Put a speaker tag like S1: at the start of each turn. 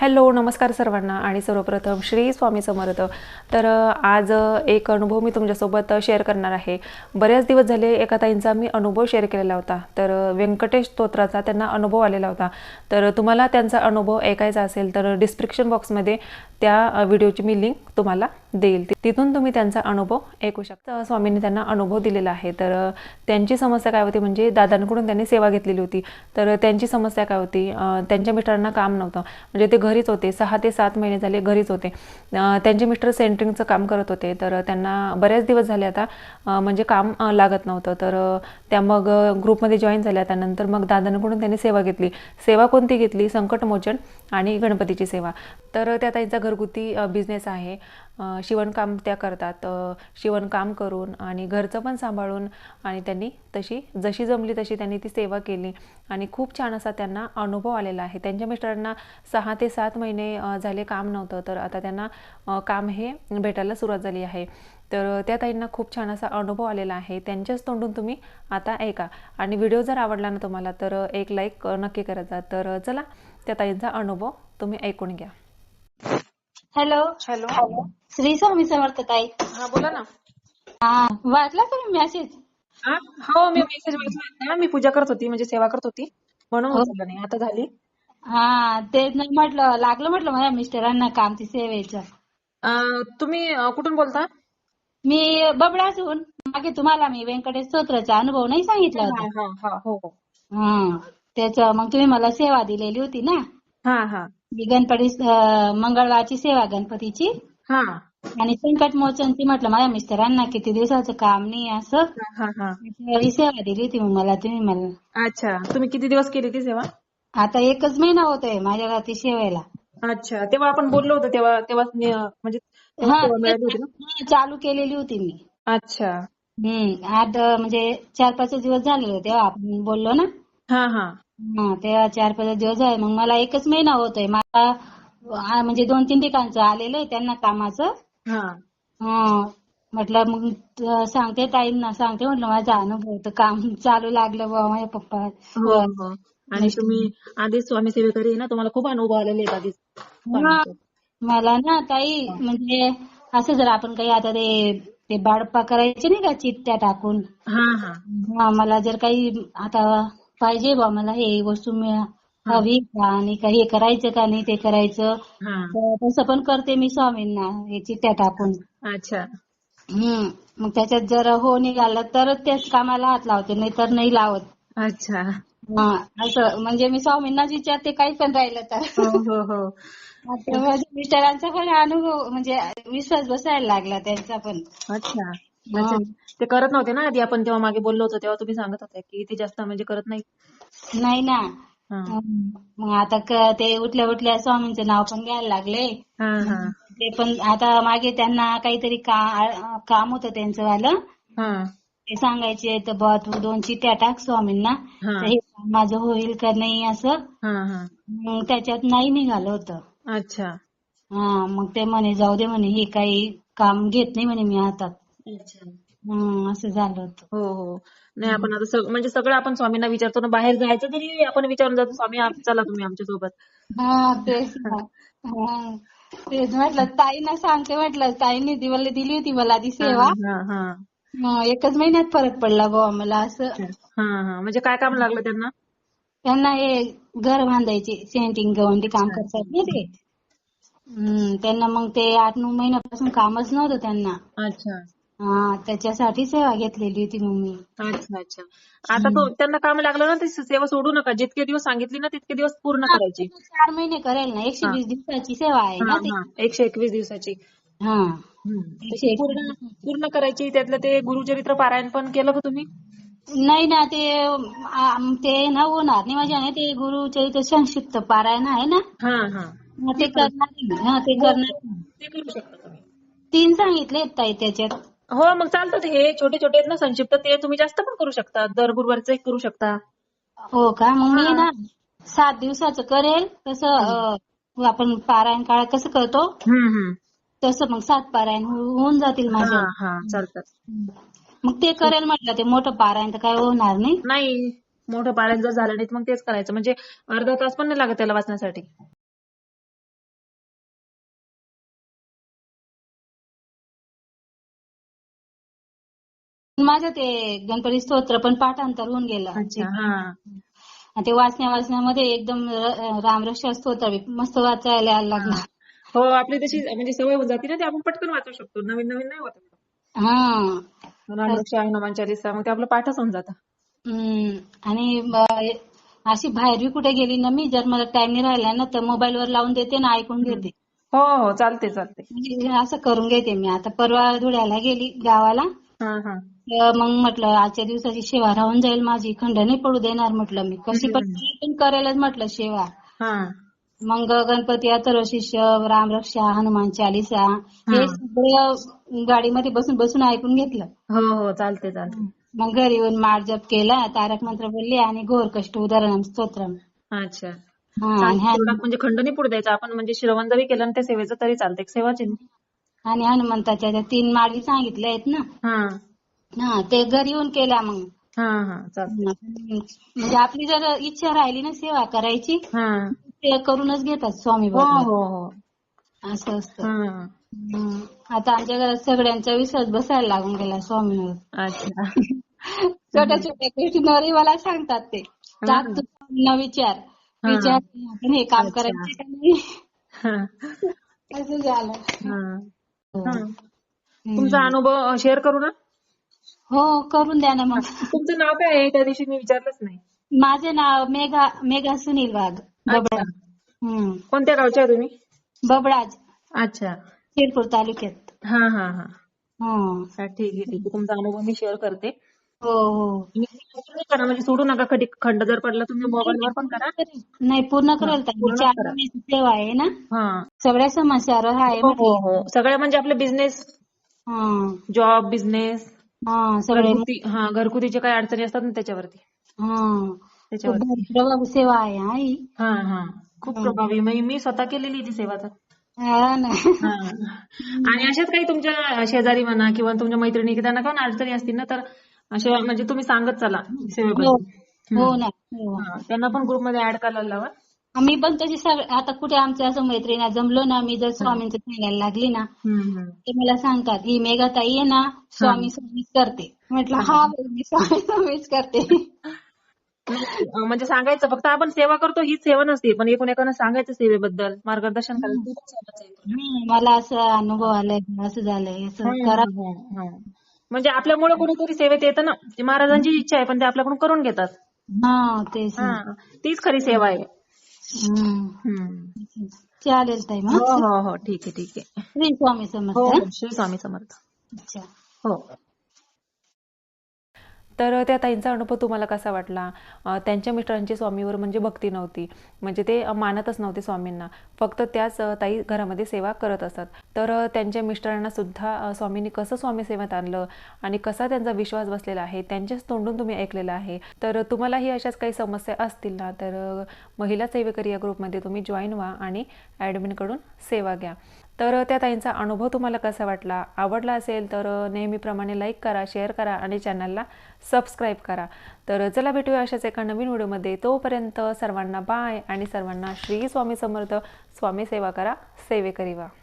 S1: Hello, नमस्कार सर्वांना आणि सर्वप्रथम श्री स्वामी समर्थ. तर आज एक अनुभव मी तुमच्यासोबत शेअर करणार आहे. बरेच दिवस झाले एका ताईंचा मी अनुभव शेअर केलेला होता. तर व्यंकटेश स्तोत्राचा त्यांना अनुभव आलेला होता. तर तुम्हाला त्यांचा अनुभव ऐकायचा असेल तर डिस्क्रिप्शन बॉक्समध्ये त्या व्हिडिओची मी लिंक तुम्हाला देईल. तिथून तुम्ही त्यांचा अनुभव ऐकू शकता. स्वामींनी त्यांना अनुभव दिलेला आहे. तर त्यांची समस्या काय होती, म्हणजे दादांकडून त्यांनी सेवा घेतलेली होती. तर त्यांची समस्या काय होती, त्यांच्या मिस्टरांना काम नव्हतं, म्हणजे ते घरीच होते. 6 ते 7 महिने झाले घरीच होते. त्यांचे मिस्टर सेंटरिंगचं काम करत होते. तर त्यांना बरेच दिवस झाले आता म्हणजे काम लागत नव्हतं. तर त्या मग ग्रुपमध्ये जॉईन झाल्या. त्यानंतर मग दादांकडून त्यांनी सेवा घेतली. सेवा कोणती घेतली? संकटमोचन आणि गणपतीची सेवा. तर त्या ताईंचा घरगुती बिझनेस आहे. शिवणकाम त्या करतात. शिवणकाम करून आणि घरचं पण सांभाळून आणि त्यांनी जशी जमली तशी त्यांनी ती सेवा केली आणि खूप छान असा त्यांना अनुभव आलेला आहे. त्यांच्या मिस्टरांना 6 ते 7 महिने झाले काम नव्हतं. तर आता त्यांना काम हे भेटायला सुरुवात झाली आहे. तर त्या ताईंना खूप छान असा अनुभव आलेला आहे. त्यांच्याच तोंडून तुम्ही आता ऐका आणि व्हिडिओ जर आवडला ना तुम्हाला तर एक लाईक नक्की करायचा. तर चला त्या ताईंचा अनुभव तुम्ही ऐकून घ्या.
S2: हॅलो.
S1: हॅलो.
S2: श्री स्वामी समर्थ ताई.
S1: हा, बोला ना.
S2: हा, वाचला तुम्ही मेसेज?
S1: हा, हो, मी मेसेज वाचला होता. मी पूजा करत होती, म्हणजे सेवा करत होती, म्हणून
S2: हो.
S1: उचललं नाही. आता झाली.
S2: हा, ते नाही लागलं म्हटलं माझ्या मिस्टरांना काम ती सेवेचं.
S1: तुम्ही कुठून बोलता?
S2: मी बबडासून मागे तुम्हाला मी व्यंकटेश स्तोत्राचा अनुभव नाही सांगितला
S1: हा
S2: होता.
S1: हा हा, हो हो.
S2: हा, त्याचं मग तुम्ही मला सेवा दिलेली होती ना.
S1: हा हा
S2: मी गणपती मंगळवारची सेवा गणपतीची
S1: हा
S2: आणि संकट मोचनची म्हटलं माझ्या मिस्टरांना किती दिवसाचं काम नाही असं
S1: हा हा.
S2: त्यावेळी सेवा दिली होती मग तुम्ही मला.
S1: अच्छा, तुम्ही किती दिवस केली ती सेवा?
S2: आता 1च महिना होतोय माझ्या रात्री सेवेला.
S1: अच्छा, तेव्हा आपण बोललो होतो, तेव्हा म्हणजे तेव्हा
S2: हा,
S1: सेवा मिळाली होती ना?
S2: चालू केलेली होती मी.
S1: अच्छा.
S2: आज म्हणजे 4-5 दिवस झाले तेव्हा आपण बोललो ना.
S1: हा हा
S2: हा, तेव्हा 4-5 दिवस झाले. मग मला 1च महिना होतोय. मला म्हणजे 2-3 ठिकाणचं आलेलं आहे त्यांना कामाचं.
S1: हा.
S2: म्हटलं मग सांगते ताईंना सांगते म्हटलं माझा अनुभव तर काम चालू लागलं बुवा माझ्या पप्पा
S1: हो हो. आणि तुम्ही आधीच स्वामी सेवेकरी आहे ना, तुम्हाला खूप अनुभव आलेले आहेत आधीच
S2: हा,
S1: स्वामींचे.
S2: मला ना ताई म्हणजे असं जर आपण काही आता ते बाळप्पा करायचे नाही का चिठ्ठ्या टाकून.
S1: हा हा
S2: मला जर काही आता पाहिजे बा मला हे वस्तू
S1: हा
S2: हवी का आणि काही हे करायचं का नाही ते करायचं
S1: हा.
S2: तर तसं पण करते मी स्वामींना हे चिठ्ठ्या टाकून.
S1: अच्छा.
S2: मग त्याच्यात जर हो निघालं तरच त्याच कामाला हात लावते नाही तर नाही लावत.
S1: अच्छा.
S2: हा, असं म्हणजे मी स्वामींनाच विचारते काही पण राहिलं तर.
S1: हो हो हो.
S2: आता माझ्या मिस्टरांचा पण अनुभव म्हणजे विश्वास बसायला लागला त्यांचा पण.
S1: अच्छा अच्छा.
S2: हं.
S1: ते करत नव्हते ना आधी, आपण तेव्हा मागे बोललो होतो तेव्हा तुम्ही सांगत होते की ते जास्त म्हणजे करत नाही.
S2: नाही ना.
S1: हा
S2: मग आता ते उठल्या उठल्या स्वामींचं नाव पण घ्यायला लागले.
S1: हा हा
S2: ते पण आता मागे त्यांना काहीतरी काम होतं त्यांचं वालं.
S1: हा
S2: ते सांगायचे तर बा तू 2 चिठ्ठ्या टाक स्वामींना
S1: हा
S2: तर हे काम माझं होईल का नाही असं.
S1: हा हा.
S2: मग त्याच्यात नाही निघालं होतं.
S1: अच्छा
S2: मग ते म्हणे जाऊ दे म्हणे हे काही काम घेत नाही म्हणे मी हातात.
S1: अच्छा.
S2: असं झालं होतं.
S1: हो हो. नाही, आपण आता म्हणजे सगळं आपण स्वामींना विचारतो ना, बाहेर जायचं तरी आपण विचारून जातो, स्वामी चला तुम्ही आमच्या सोबत.
S2: तेच ना. हा, तेच म्हटलं ताईंना सांगते म्हटलं ताईंनी दिली होती मला ती
S1: हा
S2: सेवा.
S1: हा हा.
S2: 1च महिन्यात फरक पडला बुवा मला असं.
S1: हा हा. म्हणजे काय काम लागलं त्यांना?
S2: त्यांना हे घर बांधायचे सेंटिंग गवंडी काम
S1: अच्छा
S2: करतात ना ते. त्यांना मग ते 8-9 महिन्यापासून कामच नव्हतं त्यांना.
S1: अच्छा
S2: त्याच्यासाठी सेवा घेतलेली होती मग मी.
S1: अच्छा अच्छा. आता तो त्यांना काम लागलं ना, ती सेवा सोडू नका. जितके दिवस सांगितली ना तितके दिवस पूर्ण करायची.
S2: पूर्ण 4 महिने करेल ना.
S1: हा
S2: 120 दिवसाची सेवा आहे
S1: हा
S2: ना ती.
S1: हा. 121 दिवसाची.
S2: हा,
S1: तर ती पूर्ण
S2: 121.
S1: पूर्ण करायची. त्यातलं ते गुरुचरित्र पारायण पण केलं का तुम्ही?
S2: नाही ना ते ना होणार नाही माझ्याने. ते गुरुचरित्र संक्षिप्त पारायण आहे ना.
S1: हा हा.
S2: ते करणार नाही. ते
S1: हो
S2: करणार
S1: हो.
S2: नाही.
S1: ते करू शकता तुम्ही.
S2: 3 सांगितले ताई त्याच्यात.
S1: हो, मग चालतं. ते हे छोटे छोटे आहेत ना संक्षिप्त, ते तुम्ही जास्त पण करू शकता. दर गुरुवारचं एक करू शकता.
S2: हो का? मग मी
S1: हा.
S2: ना 7 दिवसाचं करेल तसं आपण पारायण काळ कसं करतो
S1: हम्म.
S2: तसं मग 7 पारायण होऊन जातील
S1: हा
S2: माझ्या.
S1: हा, चालतात.
S2: मग ते करेल म्हटलं. ते मोठं पारायण तर काय होणार नाही.
S1: नाही, मोठं पारायण जर झालं नाही तर मग तेच करायचं. म्हणजे अर्धा तास पण नाही लागत त्याला वाचण्यासाठी.
S2: माझं ते गणपती स्तोत्र पण पाठांतर होऊन गेलं.
S1: अच्छा. हा
S2: आणि ते वाचण्यामध्ये एकदम रामरक्षा स्तोत्र बी मस्त वाचायला यायला लागला.
S1: हो, आपली तशी म्हणजे सवय होऊन जाते ना, ते आपण पटकन वाचू शकतो. नवीन नवीन नाही होत.
S2: हा.
S1: रामरक्षा, हनुमान चालीसा, मग ते आपलं पाठच होऊन जातं.
S2: आणि अशी बाहेर बी कुठे गेली ना मी, जर मला टाइम नाही राहिला ना तर मोबाईल वर लावून देते ना, ऐकून घेते.
S1: हो हो, चालते चालते.
S2: म्हणजे असं करून घेते मी. आता परवा धुळ्याला गेली गावाला,
S1: हा हा.
S2: तर मग म्हटलं आजच्या दिवसाची सेवा राहून जाईल माझी, खंड नाही पडू देणार म्हटलं मी, कशी पण करेलच म्हटलं सेवा.
S1: हा
S2: मग गणपती अथर्वशीर्ष, रामरक्षा, हनुमान चालीसा हे सगळं गाडीमध्ये बसून बसून ऐकून घेतलं.
S1: हो हो, चालते चालते.
S2: मग घरी येऊन माळ जप केला, तारक मंत्र बोलले आणि घोर कष्ट उदाहरण स्तोत्रम.
S1: अच्छा.
S2: आणि
S1: तेवढा म्हणजे खंड नाही पडू द्यायचा आपण, म्हणजे श्रवण जरी केलं ना त्या सेवेचं तरी चालते, सेवाच आहे ना.
S2: आणि हनुमंताच्या त्या 3 माळी सांगितल्या आहेत ना,
S1: हा
S2: ते घरी येऊन केल्या मग.
S1: हा हा, चालते.
S2: म्हणजे आपली जर इच्छा राहिली ना सेवा करायची,
S1: हा
S2: ते करूनच घेतात स्वामी
S1: हो
S2: बाबा.
S1: हो हो.
S2: असं असतं.
S1: हा.
S2: आता आमच्या घरात सगळ्यांचा विश्वास बसायला लागून गेला स्वामींवर.
S1: अच्छा.
S2: छोट्या छोट्या गोष्टींवरही मला सांगतात ते, टाक तू स्वामींना विचार
S1: हा.
S2: आपण हे काम
S1: अच्छा.
S2: करायचं का नाही.
S1: हा
S2: असं झालं.
S1: हा.
S2: हो.
S1: हा. तुमचा अनुभव शेअर करू ना?
S2: हो, करून द्या ना मग.
S1: तुमचं नाव काय आहे? त्या दिवशी मी विचारलंच नाही.
S2: माझे नाव मेघा सुनील वाघ,
S1: अच्छा.
S2: बबडाज.
S1: कोणत्या गावच्या आहे तुम्ही?
S2: बबडाज,
S1: अच्छा.
S2: शिरपूर तालुक्यात.
S1: हा हा हा.
S2: हं.
S1: ठीक आहे ठीक आहे. तुमचा अनुभव मी शेअर करते.
S2: हो हो.
S1: करा म्हणजे सोडू नका, कधी खंड जर पडला तुम्ही मोबाईलवर पण करा.
S2: नाही, पूर्ण
S1: हा,
S2: करेल ताई.
S1: पूर्णच
S2: 4
S1: करा.
S2: महिन्याची सेवा आहे ना,
S1: हा.
S2: सगळ्या समस्यावर आहे
S1: हो हो
S2: म्हटलं.
S1: हो, सगळ्या म्हणजे आपले बिझनेस,
S2: हं.
S1: जॉब, बिझनेस,
S2: सगळे.
S1: घरगुतीचे काही अडचणी असतात ना त्याच्यावरती.
S2: खूप
S1: त्याच्यावरती.
S2: प्रभावी सेवा आहे हा ही.
S1: हा हा, खूप प्रभावी. मी स्वतः केलेली ती सेवा तर.
S2: हा ना.
S1: हा. आणि अशाच काही तुमच्या शेजारी म्हणा किंवा तुमच्या मैत्रिणी की त्यांना काही अडचणी असतील ना, तर अशा म्हणजे तुम्ही सांगत चला
S2: हो
S1: सेवेबद्दल.
S2: हो ना. हो.
S1: त्यांना पण ग्रुपमध्ये ऍड करायला लावा.
S2: मी पण तशी आता कुठे आमच्या असं मैत्रिणी जमलो ना, मी जर स्वामींचं सांगायला लागली ना, ते मला सांगतात ही मेघाताई आहे ना, स्वामी स्वामीच करते. म्हटलं हा बाई, मी स्वामी स्वामीच करते.
S1: म्हणजे सांगायचं फक्त, आपण सेवा करतो हीच सेवा नसते, पण एकूण सांगायचं सेवेबद्दल, मार्गदर्शन करायचं.
S2: मला असं अनुभव आलाय, असं झालंय, असं करा.
S1: म्हणजे आपल्यामुळे कोणीतरी सेवेत येतं ना, महाराजांची इच्छा आहे पण ते आपल्याकडून करून घेतात.
S2: तेच ना.
S1: तीच खरी सेवा आहे.
S2: चालेल ताई मग.
S1: हो हो हो, ठीक आहे ठीक आहे.
S2: श्री स्वामी
S1: हो
S2: समर्थ.
S1: हो, श्री स्वामी समर्थ.
S2: अच्छा.
S1: हो. तर त्या ताईंचा अनुभव तुम्हाला कसा वाटला? त्यांच्या मिस्टरांची स्वामीवर म्हणजे भक्ती नव्हती, म्हणजे ते मानतच नव्हते स्वामींना, फक्त त्याच ताई घरामध्ये सेवा करत असतात. तर त्यांच्या मिस्टरांना सुद्धा स्वामींनी कसं स्वामी सेवेत आणलं आणि कसा त्यांचा विश्वास बसलेला आहे त्यांच्याच तोंडून तुम्ही ऐकलेलं आहे. तर तुम्हालाही अशाच काही समस्या असतील ना, तर महिला सेवेकरी या ग्रुपमध्ये तुम्ही जॉईन व्हा आणि ॲडमिनकडून सेवा घ्या. तर त्या ताईंचा अनुभव तुम्हाला कसा वाटला? आवडला असेल तर नेहमीप्रमाणे लाईक करा, शेअर करा आणि चॅनलला सबस्क्राईब करा. तर चला भेटूया अशाच एका नवीन व्हिडिओमध्ये. तोपर्यंत सर्वांना बाय आणि सर्वांना श्री स्वामी समर्थ. स्वामी सेवा करा, सेवेकरी व्हा.